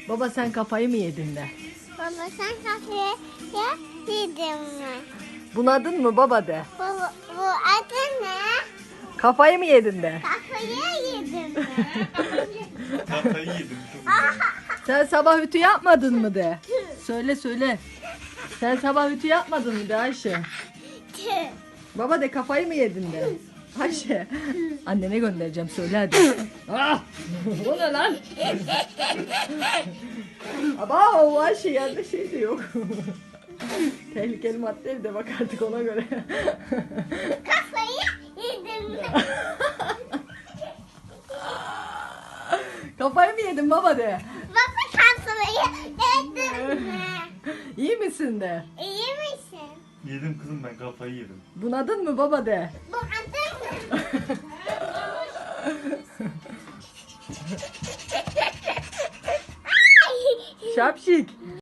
Baba sen kafayı mı yedin de? Baba sen kafayı yedin mi? Bunadın mı baba de? Bu adı ne? Kafayı mı yedin de? Kafayı yedin mi? Kafayı yedim. Sen sabah ütü yapmadın mı de? Söyle söyle. Sen sabah ütü yapmadın mı de Ayşe? Tüh. Baba de kafayı mı yedin de? Ayşe. Annene göndereceğim söyle hadi. Ah! O ne lan? Aba o Ayşe yerde şey de yok. Tehlikeli madde de bak artık ona göre. Kafayı yedin mi? Kafayı mı yedin baba de? Baba kafayı yedin mi? İyi misin de? İyi misin? Yedim kızım, ben kafayı yedim. Bunadın mı baba de? Bu adı ne? Şapşik.